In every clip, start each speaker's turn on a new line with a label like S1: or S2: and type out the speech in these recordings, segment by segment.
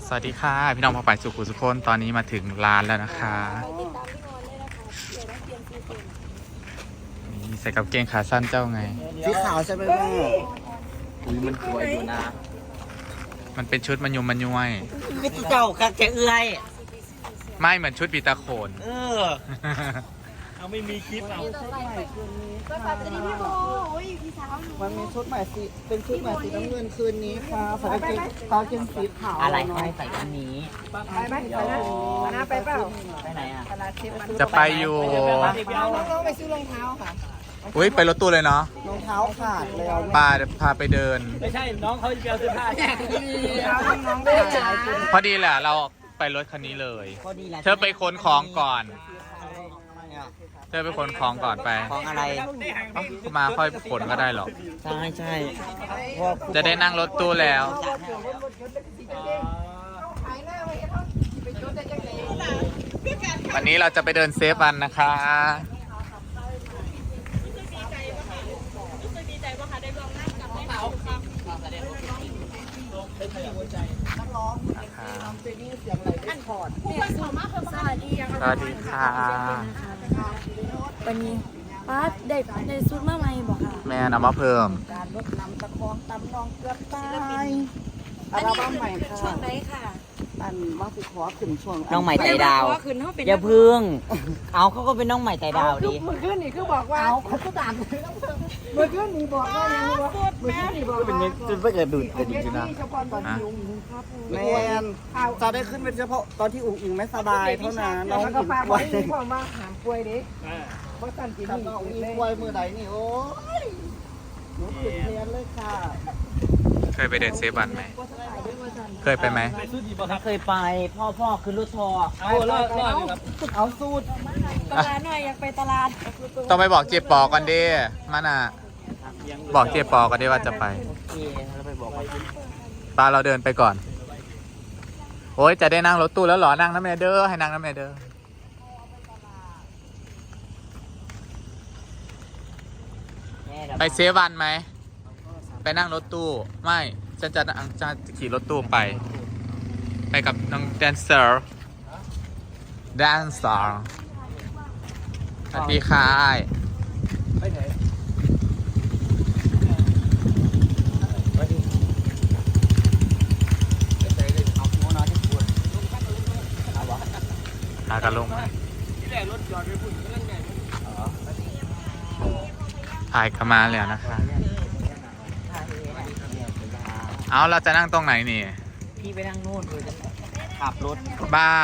S1: สวัสดีค่ะพี่น้องพอไปสุขุสุขคนตอนนี้มาถึงร้านแล้วนะคะนี่ใส่กับเกงขาสั้นเจ้าไง
S2: สีขาวใช่ไหมแม่
S3: มันสวยอยู่นะ
S1: มันเป็นชุดมันยุมมันย้วย
S3: ไม่เจ้าคักแกเอื้อย
S1: ไม่เหมือนชุดปีตาโขน
S3: เอาไม่มีคลิปเอา
S2: มันมีชุดใหม่สีเป็นชุดใหม่สีน้ำเงินคืนนี้ค่ะใส่กางเกงตาเกงสีขาว
S3: อะไรให้ใส่อันนี้
S4: ไปไหมไปนะมานะไปเปล่า
S3: ไปไหนอ่ะ
S4: ตลาดเชฟมัน
S1: จะไปอยู่
S4: น้องๆไปซื้อรองเท้าค่ะ
S1: อุ้ยไปรถตู้เลยเนาะ
S2: รองเท้าขาดแล้ว
S1: พาไปเดิน
S3: ไม่ใช่น้องเขาจะเอาเสื้อผ้า
S4: น้องๆได้จ้า
S1: พอดีแหละเราไปรถคันนี้เลย
S3: พอดีแหละ
S1: เธอไปขนของก่อน เธอไปขนของก่อนไป
S3: ของอะไร
S1: เอ้ามาค่อยขนก็ได้หรอก
S3: ใช่ใช่
S1: จะได้นั่งรถตู้แล้ว วันนี้เราจะไปเดินเซฟวันนะคะสวัสดีค่ะ
S5: วันนี้ป้าได้ซุดมาใหม่บอกค่ะ
S1: แม่นเอามาเพิ่ม
S2: การลดน้ำตะคองตำนองเกือบตายอัลบั้มใหม่ค่ะ
S5: ช่วงไหนค่ะ
S2: อันมาสิขอขึ้นช่วง
S3: น้องใหม่ไต่ดาว
S5: คืนเขาเป็น
S3: อย่าพึ่ง เอาเขาก็เป็นน้องใหม่ไต่ดาวดิ
S4: เมื่อคืนนี่คือบอกว่า
S2: เอาเขาก็ด่า
S4: เมื่อคืนนี่บอกว่ายังว่าเมื่อคืนนี่บอกว่า
S3: จนไม่เกิดดูดกันจริงๆนะ
S4: เฉพาะตอนที่อุ้งอิงครับ
S2: แมนจะได้ขึ้นเป็นเฉพาะตอนที่อุ๋งอิงไม่สบายเท่านั้นน้อง
S4: แล้วก็
S2: อิง
S4: ฝาก
S2: ป่ว
S4: ไว้
S2: ย
S4: ที่พ่อมาหามป่วยดิเพราะสันติ
S2: ถ้า
S4: นี่
S2: น้องอิง
S4: เลย
S2: ป่วยมือใดนี่โอ้ยหนูติดเรียนเลยค่ะ
S1: เคยไปเดินเซฟวันไหม เคยไปไหม
S3: เคยไปพ่อคือรถทอเอาเลิกครับ
S2: เอาสูตร
S5: ตลาดหน่อยอยากไปตลาด
S1: ต้องไปบอกเจ๊ปอกันดิมันอ่ะ บอกเจ๊ปอกันดิว่าจะไป
S3: โอเคแล้วไปบอกว่า
S1: ปาเราเดินไปก่อน โอ้ยจะได้นั่งรถตู้แล้วเหรอ นั่งน้ำแม่เด้อให้นั่งน้ำแม่เด้อไปเซฟวันไหม ไปนั่งรถตู้ ไม่ ฉันจะขี่รถตู้ไป ไปกับน้องแดนเซอร์ แดนเซอร์ สวัสดีค่ะ
S3: ไปไหน
S1: พากันลงถ่ายกันมาแล้วนะคะ เอาเราจะนั่งตรงไหนนี่
S3: พี่ไปนั่งโน่นเลยขับรถ
S1: บ้า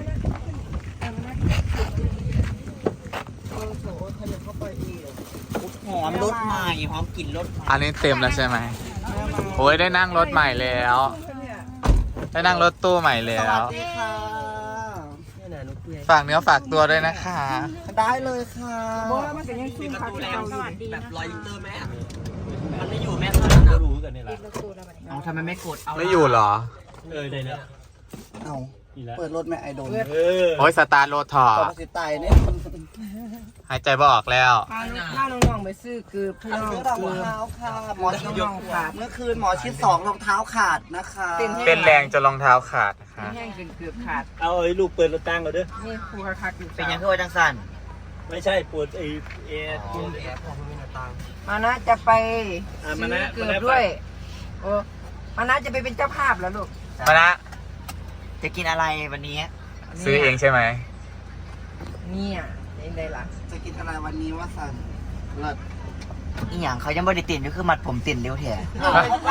S3: หอมรถใหม่หอมกลิ่นรถ
S1: อันนี้เต็มแล้วใช่ไหมโอ้ยได้นั่งรถใหม่แล้ว ได้นั่งรถตู้ใหม่แล้
S2: สวั
S1: ว
S2: สดีค่ะ
S1: ฝากเนื้อฝากตัวด้วยนะคะ
S2: ได้เลยค่ะ
S4: บอกว่ามันจะยังสู้ขาเก่าอยู่
S3: แบบรอยยูเตอร์แม่มันไม่อยู่แม่เท่านั้นนะรู้กันนี่แหละเอาทำไมไม่กดเอา
S1: ไม่อยู่เหรอ
S3: ได้แล้ว
S2: เอาเปิดรถแม่ไอโดน
S1: โอ้ยสตาร์ทรถถอ
S2: ป
S1: ด
S2: กติตายเนี่ย
S1: หายใจบ่ออกแล้ว
S4: พาน้องๆไปซื้อเกือบพี่น้อง
S2: ซื้อรอง
S4: เกือบ
S2: เท้าค่ะหมอชิด
S4: น้องๆขาด
S2: เมื่อคืนหมอชิด2รองเท้าขาดนะคะ
S1: เต้นแรงจนรองเท้าขาดนะคะ
S4: แห้งจนเกือบขาด
S3: เอาไอ้ลูกเปิดรถตั้งเราด้วย
S4: นี่ครูคักอยู่
S3: เป็นยังไงว่าจังสันไม่ใช่ปวดไอ้เอ
S4: มานะจะไป
S3: มา
S4: ซื้
S3: นะ
S4: อเกือบด้วยโอ้มานะจะไปเป็นเจ้าภาพแล้วลูก
S1: มานะ
S3: จะกินอะไรวันนี้
S1: ซื้อเองใช่ไหม
S4: เนี่ยเองได้ละ
S2: จะกินอะไรวันนี้ว่าสันเลิศ
S3: อีหยังเขายังไม่ได้ติ่นก็คือมัดผมติ่นเร็วแท้
S2: โอ้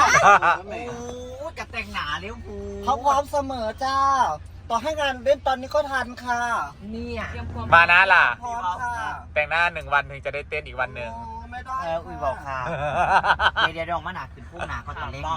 S3: จะแต่งหนาเร็วฟู
S2: เขาพร้อมเสมอจ้า ต่อให้งานเล่นตอนนี้ก็ทันค่ะ
S4: เนี่ย
S1: มานะล่ะ
S2: พร้อมค่ะ
S1: แต่งหน้า1 วันถึงจะได้เต้นอีกวันหนึ่ง
S2: โอ้ไม่ได้
S3: อุ้ยบอกค่ะเดี๋ยวดองมาหนาขึ้นพุ่งหนาเขาตอนเล่น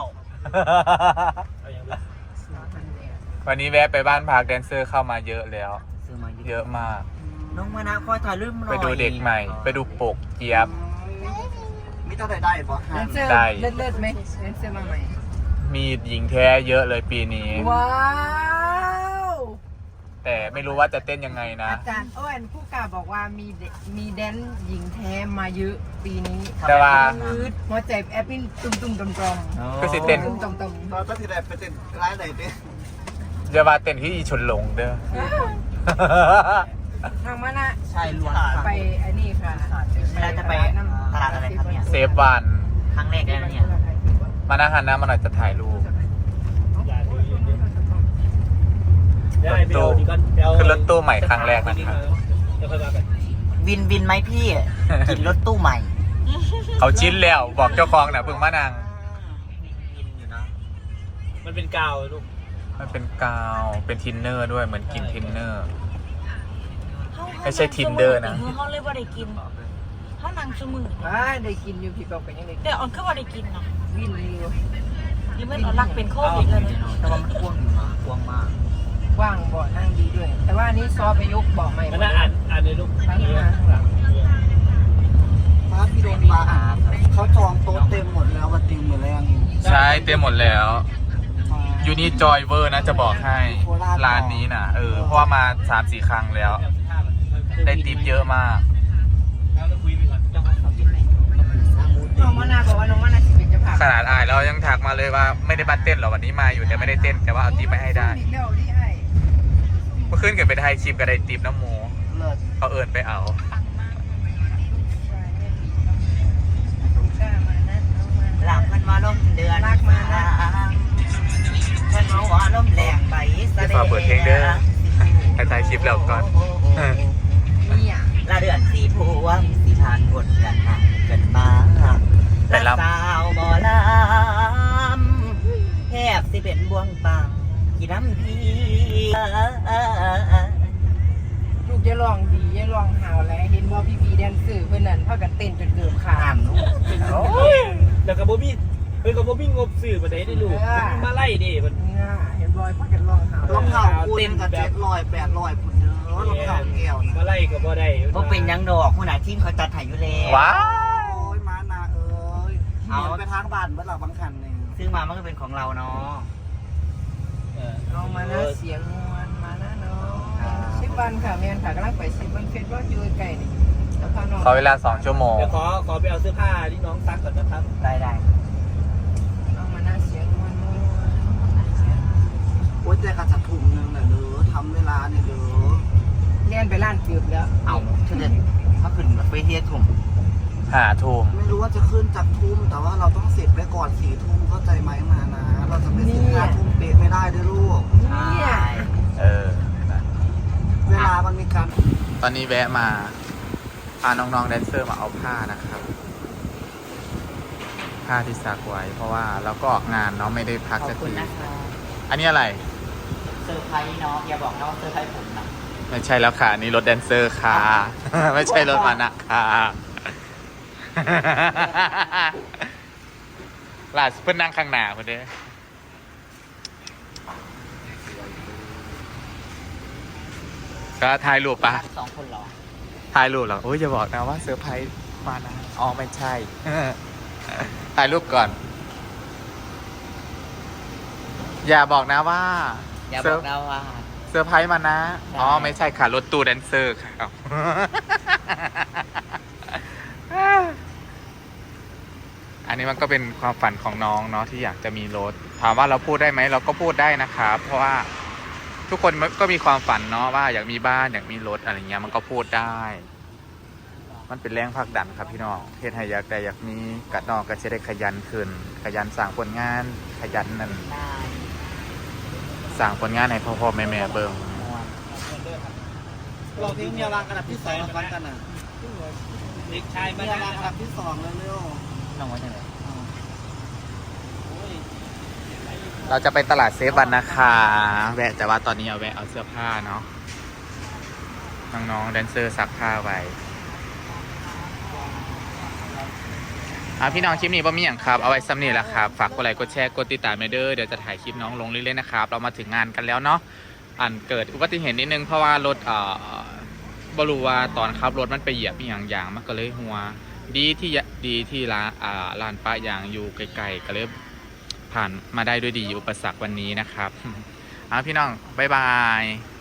S1: วันนี้แวะไปบ้านพักแดนเซอร์เข้ามาเยอะแล้ว
S3: ซื้อมา
S1: เยอะมาก
S3: น้องมานะคอยถ่ายรูปหน่อย
S1: ไปดูเด็กใหม่ ไปดูปกเจี๊ยบ
S2: มีเท่าไหร่ได้บ่
S4: แด
S2: ฮะ
S4: นเซอร์
S1: ได้
S4: เลิศๆไหมแดนเซอร์มาใหม่
S1: มีหญิงแท้เยอะเลยปีนี้
S4: ว้าว
S1: แต่ไม่รู้ว่าจะเต้นยังไงนะ
S4: อาจารย์อ้วนผู้กล่าวบอกว่ามีแดนหญิงแท้มาเยอะปีนี้
S1: แต่ว่า
S4: หัวใจแอปปิ้นตุ้มๆตอม
S1: ก็สิเต้น
S4: ๆตุ้มๆตอม
S2: เราต้องที่ไหนไปเต้นร้ายไหนดิ
S1: อย่ามาเต้นที่อีชนหลงเด้อ
S4: ทางมานะ
S3: ใช่ล้วน
S4: ไปไอ้นี่ค่ะ
S3: เวลาจะไปตลาดอะไรครับเนี่ย
S1: เซฟวัน
S3: ครั้งแรกเลยนะเนี่ย
S1: มานั่งหันหน้ามาหน่อยจะถ่ายรูปรถตู้คือรถตู้ใหม่ครั้งแรกนะครับ
S3: วินไหมพี่กินรถตู้ใหม่
S1: เขาชิ้นแล้วบอกเจ้าของนะเพิ่งมานั่ง
S3: วินอยู่นะ
S6: มันเป็นกาวลูก
S1: มันเป็นกาวเป็นทินเนอร์ด้วยเหมือนกินทินเนอร์ ไม่ใช่ Tinder นะ
S5: เขาเลยว่าได้กินเขานั่งชั่วมือ
S4: ได้กินอยู่พี่บอกกันยังได้
S5: แต่ออนคือว่าได้กินเนาะ
S4: วินอยู่
S5: หรือมันเอารักเป็นโควิดเลยเนี่ย
S3: แต่ว่ามันกว้างอยู่นะกว้างมาก
S4: กว้างบ่อนั่งดีด้วย แต่ว่านี้ซอไปยกบ่อใหม่
S6: มันน่าอ่านในลูก
S4: ทั้งมาข้างหลัง
S2: ฟ้าพี่โดนฟ้าเขาจองโต๊ะเต็มหมดแล้ววันติงหมดแล้ว
S1: ใช่เต็มหมดแล้วยูนี่จอยเวอร์นะจะบอกให้ร้านนี้นะเพราะว่ามา 3-4 ครั้งแล้ว ได้ติปเยอะมาก
S4: น้องมานาบอกว่าน้องมานาสิเป็นจะผ่า
S1: ขนาดอายเรายังถักมาเลยว่าไม่ได้มาเต้นหรอกวันนี้มาอยู่แต่ไม่ได้เต้นแต่ว่าเอาติปไปให้ได้
S4: อีกแล้วที่ไอ้
S1: เมื่อคืนเกิดไปไทยคลิปก็ได้ติปน้ำหมู
S2: เลิศ
S1: เขาเอินไปเอา
S3: หลังมันมาล่มเดือนมันมาว่าล่มแรงไปแสดง
S1: ฝากเปิดเพลงเด้อไปถ่ายคลิปแล้วก่อน
S4: เนี่ย
S3: ละเดือนสีพวงสีทานบนเดือนห่างกันมาละสาวหมอลำแทบสิเป็นบ่วงปังกี่น้ำพี
S4: ลูกจะลองดีจะลองหาวแล้วเห็นว่าพี่แดนสื่อเพื่อนนั้นเท่ากันเต้นจนเกือบขา
S3: อ่า
S4: ด
S3: นลูก
S6: แล้วกับโบบี้กับโบบี้งบสื่อมาได้ลูกมาไล่ดิมัน
S4: เนี่ยเห็นบอยเท่ากันลองหาว
S2: รองเท้าคูณกับ700-800พุ่นเด้อรองเท้าแก้ว
S6: มา
S2: นะ
S6: ไล่กับโบได้
S3: ก็เป็นยังดอกผู้หนาทีมเขาจัดถ่ายอยู่แล้ว
S1: ว้า
S2: โอ้ยมานาเอ้ยเอาไปทางบ้านเมื่อหลับบางคันเนี่ย
S3: ซึ่งมามันก็เป็นของเราเนาะ
S4: ลองมานะเสียงมวนมานะเนาะ10 วันค่ะแม่นค่ะกำลังไป10 วันเฟซว่าอยู่ใกล้นี่แล้วพาน้อง
S1: ขอเวลา2 ชั่วโมง
S6: เดี๋ยวขอไปเอาเสื้อผ้าที่น้องซักก่อนนะครับ
S3: ได้
S4: น้องมานะเสียงมวน
S2: โอ้ยแต่กระจัดถุงนึงน่ะเด้อทำเวลาเนี่ยเด้อ
S4: เรียนไปร้านจืบแล้ว
S3: เอาเฉลี่ยถ้าขึ้นไปเที่ยทุ่ม
S1: 5 ทุ่ม
S2: ไม่รู้ว่าจะขึ้นจากทุ่มแต่ว่าเราต้องเสร็จไปก่อน4 ทุ่มเข้าใจไหมมานะ เราจะไปเสร็จ5 ทุ่มเป๊ะไม่ได้ด้วยลูก
S4: เนี่ย
S2: เวลามันมีการ
S1: ตอนนี้แวะมาพาน้องๆแดนเซอร์มาเอาผ้านะครับ ผ้าที่ซักไว้เพราะว่าเราก็ออกงานเนาะไม่ได้พัก
S3: ขอ
S1: สั
S3: บ
S1: ก
S3: คุณ
S1: ที
S3: นะคะ
S1: อันนี้อะไร
S3: เซอร์ไพรส์เนาะอย่าบอกนะว่าเซอร์ไพรส์ผมนะ
S1: ไม่ใช่แล้วค่ะอันนี่รถแดนเซอร์ค่ะ ไม่ใช่รถมานะค่ะ ล่าสุดเพิ่นนั่งข้างหน้าเพิ่นเด้ก็ถ่ายรูปปะ
S3: 2 คนเหรอ
S1: ถ่ายรูปเหรอโอ้ยอย่าบอกนะว่าเซอร์ไพรส์มานะอ๋อไม่ใช่ ถ่ายรูปก่อน อย่าบอกนะว่า
S3: อย่าบอกนะว่า
S1: เซอร์ไพรส์มานะ อ๋อไม่ใช่ค่ะรถตู้แดนเซอร์ค่ะ อันนี้มันก็เป็นความฝันของน้องเนาะที่อยากจะมีรถ ถามว่าเราพูดได้ไหมเราก็พูดได้นะครับเพราะว่าทุกคนก็มีความฝันเนาะว่าอยากมีบ้านอยากมีรถอะไรเงี้ยมันก็พูดได้ มันเป็นแรงผลักดันครับพี่น้องเฮ็ดให้อยากได้อยากมีกัดนอกก็จะได้ขยันขึ้น ขยันสร้างผลงานขยันนั่น
S3: ได้
S1: สร้างผลงานให้พ่อๆแม่ๆเบิ่ง
S2: เราเพลงเมียวางกระดับที่2ฟังกันนะ
S6: เด็กชายมา
S2: เมีย
S6: ได้
S2: วางกระดับที่2เร็ว
S3: น้องว่าจะไหน
S1: เราจะไปตลาดเซฟวันนะคะแวะแต่ว่าตอนนี้เอาแวะเอาเสื้อผ้าเนาะน้องๆแดนเซอร์ซักผ้าไว้พี่น้องคลิปนี้บ่มีอย่างครับเอาไว้ซ้ำนี่แหละครับฝากกดไลค์กดแชร์กดติดตามเด้อเดี๋ยวจะถ่ายคลิปน้องลงเรื่อยๆนะครับเรามาถึงงานกันแล้วเนาะเกิดอุบัติเหตุนิดนึงเพราะว่ารถบรู้ว่าตอนขับรถมันไปเหยียบอย่างมันก็เลยหัวดีที่ร้านป้ายางอยู่ไกลๆก็เลยผ่านมาได้ด้วยดีอุปสรรควันนี้นะครับพี่น้องบ๊ายบาย